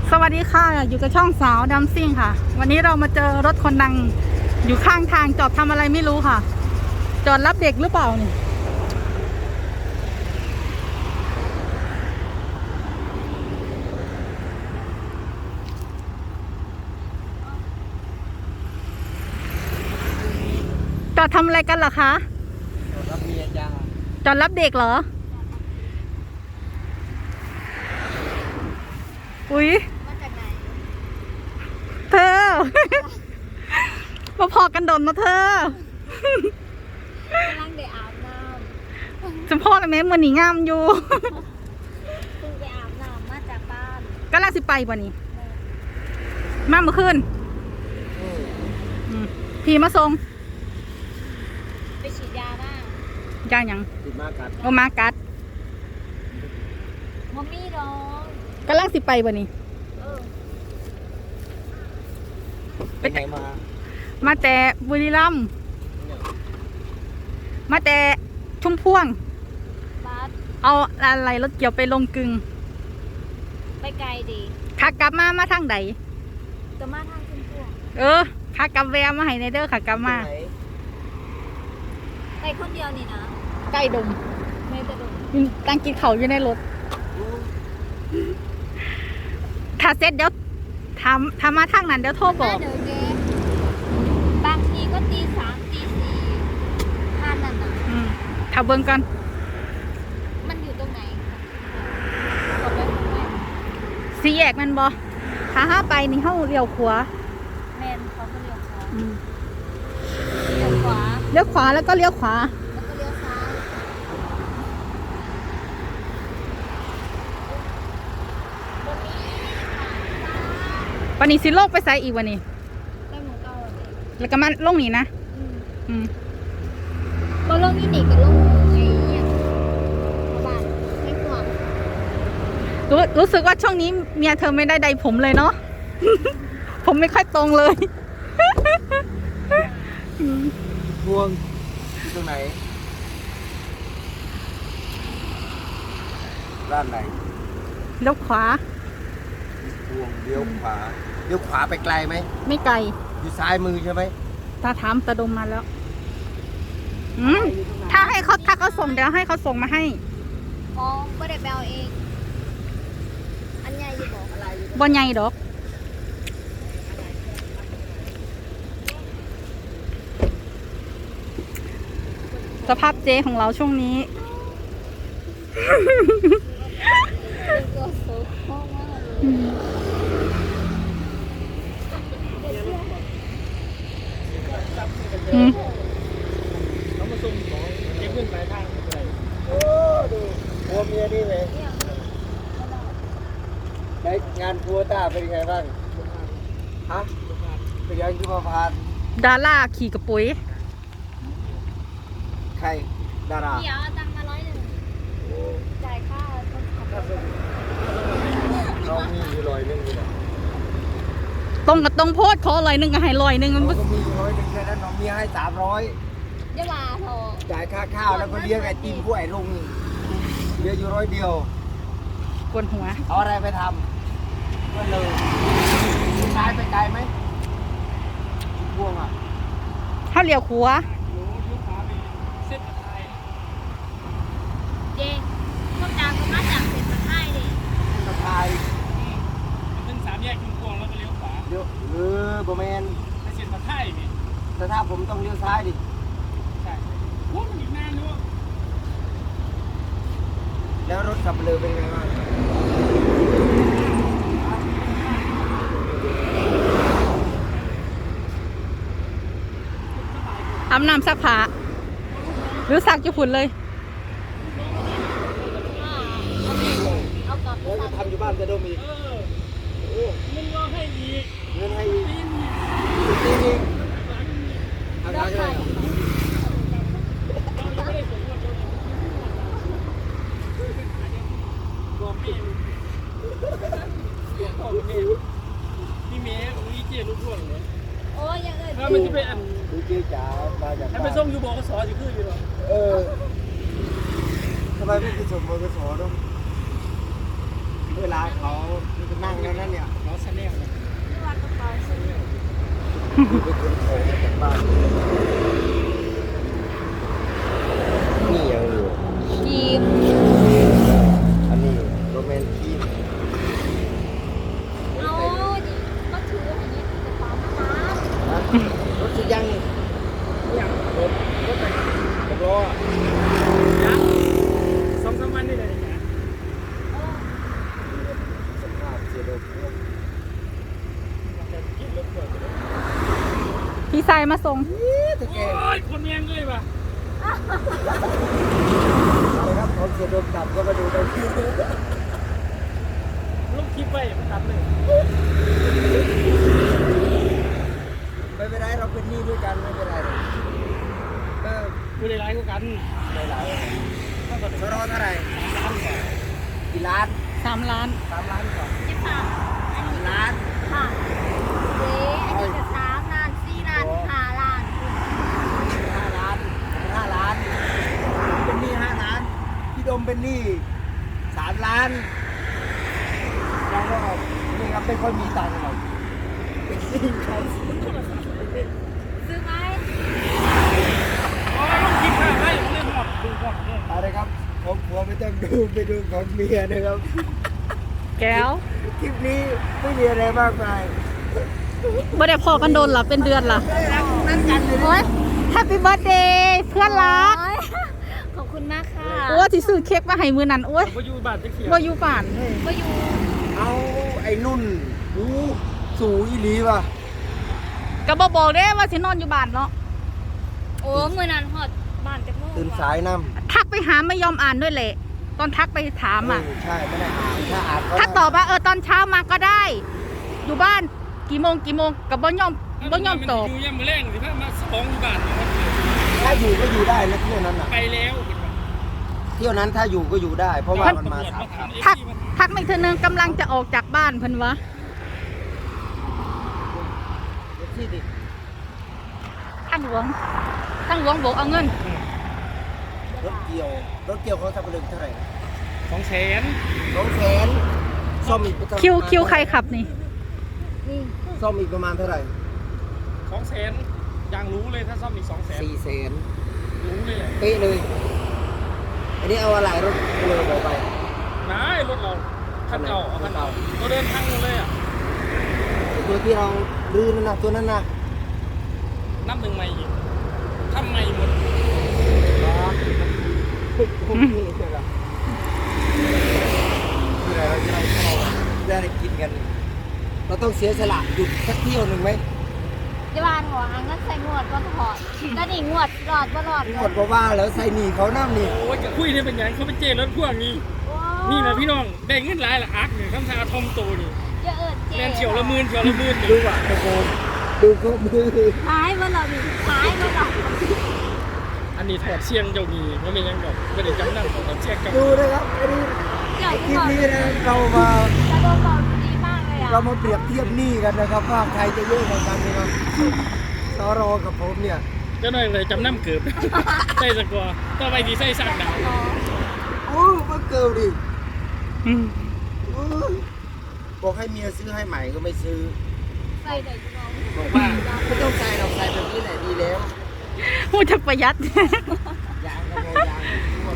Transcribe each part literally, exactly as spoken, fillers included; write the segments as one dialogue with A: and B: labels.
A: สวัสดีค่ะอยู่กับช่องสาวดัมซิ่งค่ะวันนี้เรามาเจอรถคนดังอยู่ข้างทางจอดทำอะไรไม่รู้ค่ะจอดรับเด็กหรือเปล่าเนี่ยจอดทำอะไรกันเหรอคะ
B: จอดรับเมียจ้า
A: จอดรับเด็กเหรออุ๊ย
C: มาจากไหน
A: เธอ มาพอกันดนนะเธอก
C: ำลังเดี๋ยวอาบน้
A: ำจะพ่อเลยไหมมันหนีงามอยู่
C: ำคุณไปอาบน้ำมาจากบ้าน
A: ก็ล่าสิไปป่ะนี่มาเมื่อคืนพี่มาส่ง
C: ไปฉีดยาบ้าง
A: ย่างยัง
B: ติดมากัด
A: โอมากัด
C: มัมมี่น้อง
A: ก็ล่าสิไปป่ะนี่
C: เออ
B: ไปไหนมา
A: มาแต่บุรีรัมย์มาแต่ชุ่มพ่วง
C: บัส
A: เอาอะไรรถเกี่ยวไปลงกึ่ง
C: ไปไกลดี
A: ขากลับมามาทางใด
C: จะมาทางชุมพวง
A: เออขากลับแวะมาให้ในเด้อขากลับมา
C: ไปคนเดียวนี่นะ
A: ใกล้ดม
C: ไม่จะดม
A: ตั้งกินเขาอยู่ในรถถ้าเสร็จเดี๋ยวทำทำมาทางนั้นเดี๋ยวโทรบอก
C: เดี๋ยวเจ๊บางทีก็ตีสามตีสี่ท่านนั่นน่ะ
A: อืมถ้าเบิ่งกัน
C: มันอยู่ตรงไหนกดไว้ตรงไหน
A: สี่แยกมันบ่ถ้าห้าไปนี่เฮาเลี้ยวขวา
C: แมนเขาก็เลี้ยวขวาเลี้ยวขวา
A: เลี้ยวขวาแล้วก็เลี้ยวขวา
C: แล้วก็เลี้ยวซ้าย
A: วันนี้สิโลกไปไสอีกวันนี้
C: ได้หมูเก่าเลย
A: แล้วก็มาลงนี่นะ
C: อืม
A: อืม
C: บอลลงนี่นี่กับลงไอ้เนี่ยบ้านไม่ห่วง
A: รู้รู้สึกว่าช่วงนี้เมียเธอไม่ได้ใดผมเลยเนาะ ผมไม่ค่อยตรงเลย
B: พวงอยู่ตรงไหนด้านไหน
A: เลี้ยวขวา
B: พวงเลี้ยวขวาเลี้ยวขวาไปไกลไหม
A: ไม่ไกล
B: อยู่ซ้ายมือใช่ไหม
A: ตาถามตาดมมาแล้วอืมถ้าให้เขาถ้าเขาส่งเดี๋ยวให้เขาส่งมาให้
C: อ๋อก็ได้แปลเองอันใหญ่อยู่บอกอะไรอยู่
A: บ่ใหญ่ดอกสภาพเจของเราช่วงนี้
C: ตัวโซ่มาก
A: อืม
B: เขามาส่งของเก็บเงินปลายทางเลยโอ้ดูพัวเมียนี่เลยได้งานพัวต้าเป็นยังไงบ้างฮะเป็นยังที่มาพาน
A: ดาราขี่กระปุย
B: ใครดารา
C: เดี๋ยวตังมาร้อยหนึ่งจ่ายค่าต้นขับ
B: เรามีอยู่ร้อยหนึ่งอยู่นะ
A: ตรงกับตรงโพดขอลอยหนึ่งก็ให้ลอยหนึ่งมัน
B: ก็มีร้อยหนึ่งแค่นั้นน้องมีให้สามร้อย
C: เดี๋ยวมาโทร
B: จ่ายค่าข้าวแล้วก็เลี้ยงไอติมผู้ไอ้ลุงเลี้ยงอยู่ร้อยเดียว
A: กวนหัว
B: เอาอะไรไปทำก็เลยซ้ายไปไกลไหมพวงอ่ะ
A: ถ้าเลี้ยวขวา
C: เจ๊พวกดาวก็มาจากเศษตะไคร้ดิ
B: ตะไคร้
D: เป็นสามแยกชุมพวงแล้วก็เลี้ยวขวา
B: เลี้ยวเออโบแมน
D: ไปเส้นตะไคร้นี่
B: แต่ถ้าผมต้องเลี้ยวซ้ายดิ
D: ใช่โอ้มันอีกนานด้วย
B: แล้วรถขับเรือเป็นไงบ้าง
A: อาบน้ำซักผ้าหรือซักจะฝุ่นเลย
C: เอากลับ
B: แล้วจะทำอยู่บ้านจะดมอีก
D: เออมึงก็ให้อีก
B: เงินให้อีกจริงจริงอาการอะไร
D: พี่เมย์มีเจี๊ยบลูกพ่วงเลย
C: โอ้ยยังเอ่ย
D: ถ้ามันจะไปอัน
B: ดูเจี๊ยบจ๋ามาจาก
D: ถ้าไปส่งอยู่บอกก็สออยู่คืออยู่หรอ
B: เออทำไมไม่ไปส่งบกสเนาะเวลาเขาจะนั่งนั่นเนี่ยคือไปขนของมาจากบ้านนี่ยังอยู่
C: คีบ
B: อันนี้โรแมนทีม
C: เอาดิก็ถืออันนี้คือกระเป๋ามาน้
B: รถจะยังนี่ยังรถรถไหนกระบล้อ
D: ยังสองสามวันนี่เลยนะ
B: สภาพเสียดาย
A: พี่ชายมาส่ง
B: ตะแก
D: โอ้
B: รง
D: ยคนเมียงเลยว่ะ
B: อะไรครับผมเสียดมกลับก็มาดูได้ที่
D: ลูกคลิปไปมันตัดเลย
B: ไม่เป็นไรเราเป็นหนี้ด้วยกันไม่เป็นไรหรอกก็
D: กูได้ร้ายกว่ากัน
B: ไม่หลาย
D: ถ้าเกิด
B: สรอเท่าไหร่
D: ล้านกว่า
B: กี่ล้าน
A: สามล้าน
B: สามล้านกว่า
C: ำยี่สิบสามอัน
B: สาม
C: นี้
B: ล้าน
C: ค่ะเจ๊อันนี้จะสามล้านสี่ล้านห้าล้าน
B: ห้าล้านห้าล้านเป็นหนี้ห้าล้านพี่ดมเป็นหนี้สามล้านเราก็นี่ครับไม่ค่อยมีตังค์หรอกเป็นหนี้เขา
C: ซื้อไหม
D: โอ้ยลูกคลิปข้างได้ผมเลยหมดดูหมดเลย
B: อะไรครับผมผัวไม่ต้องดูไปดูของเมียนะครับ
A: แก้ว
B: คลิปนี้ไม่มีอะไรมากมาย
A: บ่ได้พอกันโดนหรอเป็นเดือนหรอ
B: ไม่ได้รักนั่นกันเลย
A: โอ้ยแฮปปี้เบิร์ดเดย์เพื่อนรัก
C: โอ้ยขอบคุณมากค่ะ
A: โอ้ที่ซื้อเค้กมาให้มือนั้นโอ้ย
D: ผมไปอยู่บ้านจะเขียว
A: บ่อยู่บ้านเลย
C: ก็อยู่
B: เอาไอ้นุ่นหูสูอีหลีว่ะ
A: ก็บ่บอกเด้ว่าสินอนอยู่บ้านเนาะ
C: โอ้มือนั้นหอดบ้านจากโมง
B: ตื่นสายน้ำ
A: ทักไปหาไม่ยอมอ่านด้วยแหละ ตอนทักไปถามอ่ะ
B: เใช่ไม่ได้อ่านถ้าอ่านก็
A: ทักตอบว่าเออตอนเช้ามาก็ได้ อยู่บ้านกี่โมงกี่โมงกับบ่ยอมบ่ยอมตอบ
D: อยู่ยังมือแรงสิพ่อมาสองอยู่บ้าน
B: ถ้าอยู่ก็อยู่ได้นะเที่ยวนั้นน่ะ
D: ไปแล้ว
B: เที่ยวนั้นถ้าอยู่ก็อยู่ได้ เพราะว่ามันมาสามครั้ง
A: ทักทักไม่เธอนึงกำลังจะออกจากบ้านเพิ่นวะ
B: เดี๋ยวที่ดิ
A: ทางหลวงทางหลวงบอกเอาเงิน
B: รถเกี่ยวรถเกี่ยวเขาสับปะรดเท่าไหร่
D: สองแสน
B: สองแสนซ่อมอีกประมาณ
A: คิวคิวใครขับนี่
C: นี่
B: ซ่อมอีกประมาณเท่าไหร่
D: สองแสนยังรู้เลยถ้าซ่อมอีกสองแสน
B: สี่แสน
D: รู้เลย
B: เป๊ะเลยอันนี้เอาอะไรรถเลยบอกไป
D: นายรถเราคันเก่าเอาคันเก่าเราเดินทางเลยอ่ะ
B: ตัวที่เราลื้อนั่นนะตัวนั้นนะ
D: นับหนึ่งใหม่อีกทำใหม่หมด
B: โอเคใช่ไหมคืออะไรเราจะได้เข้าได้กินกัน เราต้องเสียสละหยุดสักเที่ยวหนึ่งไหม
C: ที่บ้านหัวอังก็ใส่งวดก็ถอดก็นี่งวดหลอดบ่หลอด
B: หมดเพราะว่าแล้วใส่หนีเขาน้ำนี่
D: โอ้ยจะคุยได้เป็นยังเขาเป็นเจรถพ่วงนี่นี่นะพี่น้องได้เงินหลายละอักเนี่ยคำชาทอมโตนี่
C: จะเอิดเจ๊
D: แมนเฉียวละหมื่นเฉียวละหมื่น
B: ดูว่ะตะโกนดูเขามือ
C: ขายบ่หลอดนี่ขายบ่หลอด
D: อันนี้ถอดเชียงเจ้ามีว่าไม่ยังดอกไม่ได้จำนำถอดเชียงกับ
B: ดูนะครับอันนี้
C: ใหญ่
B: คลิ
C: ที่
B: ป
C: บอก
B: นี้นะเรามา
C: จะโดนบอกดีมากเลยอ่ะ
B: เรามาเปรียบเทียบหนี้กันนะครับว่าใครจะเยอะกว่ากันนะครับสรอกับผมเนี่ย
D: เจ้าหน่อยเลยจำนำเกือบใส่สกอร์ต่อไปดีใส่สั่งดาว
B: โอ้มาเกิลดิ
A: อืม
B: อู้บอกให้เมียซื้อให้ใหม่ก็ไม่ซื้อ
C: ใส่ได้พี่น้อง
B: บอกว่าไม่ต้องใส่เราใส่แบบนี้แหละดีแล้ว
A: พูดจะประหยัด
B: ยางก็พอยาง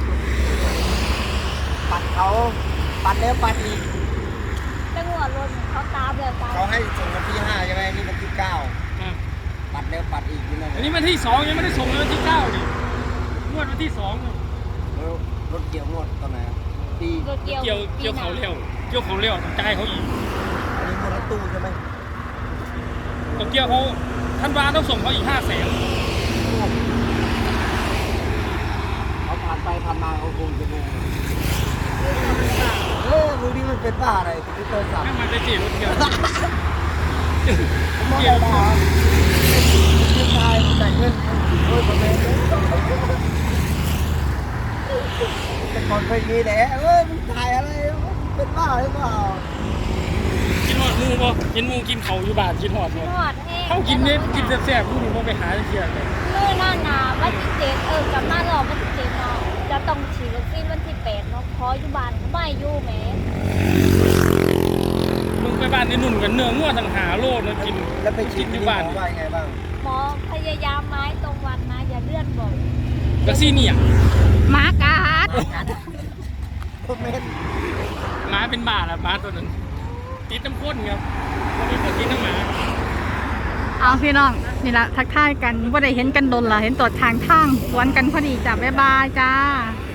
B: ปัดเขาปัดแล้วปัดอีก
C: จะงวดรถเขาตามเลยตาม
B: เขาให้ส่งวันที่ห้าใช่ไหมนี่วันที่เก้า
D: อ่ะ
B: ปัดแล้วปัดอีกนี่นั่น
D: อันนี้วันที่สองยังไม่ได้ส่งเลยวันที่เก้าดิงวดวันที่สอง
B: แล้วรถเกี่ยวงวดตอนไหนอะปี
C: รถเกี่ยว
D: เกี่ยวเกี่ยวเขาเร็วเกี่ยวเขาเร็วต้องจ่ายเขาอีก
B: อันนี้งวดรถตู้ใช่ไหม
D: ต้องเกี่ยวเขาท่านวาต้องส่งเขาอีกห้าแสน
B: เขาผ่านไปผ่านมาเขาคงจะงงเออมือนี้มันเป็นบ้าอะไรที่โทรศัพท์
D: นั่งมาได้จีรถเกี่ยว
B: ผมมองได้ด่าผู้ชายแต่งเงินโอ้ยผมเองแต่ก่อนเคยมีแหละเอ้ยมึงถ่ายอะไรเป็นบ้าหรือเปล่า
D: กินหอดมูบ่เห็นมูกินเขาอยู่บ้านกินหอดบ่
C: นวดแห้ง
D: เขากินเนี่ยกินแซ่บๆผู้นี่บ่ไปหาเที่ยงเลย
C: เมื่อหน้าหนาววันที่เจ็ดเออกลับมาหลอกวันที่เจ็ดเนาะจะต้องฉีดวัคซีนวันที่แปดเนาะขออยู่บ้านไม่อยู่แหม
D: มึงไปบ้านในนุ่นกันเนื้องัวต่างหาโลดนะกิน
B: แล้วไปฉีด
D: อ
B: ที่
D: ยู่
B: หม
D: บ้า
B: อน ว่ายังไงบ้าง
C: หมอพยายามไม้ตรงวันนะอย่าเลื่อนบ่อย
D: ก็ซี่เนี่ย
A: หมากัด
B: พวกเม็ด
D: หมาเป็นบาทอะหมาตัวนั้นติดน้ำข้นครับวันนี้ก็ติดน้ำหมา
A: เอาพี่น้องนี่ละทักทายกันว่าได้เห็นกันโดนละเห็นตัวทางทางสวนกันพอดีจ้ะบ๊ายบายจ้า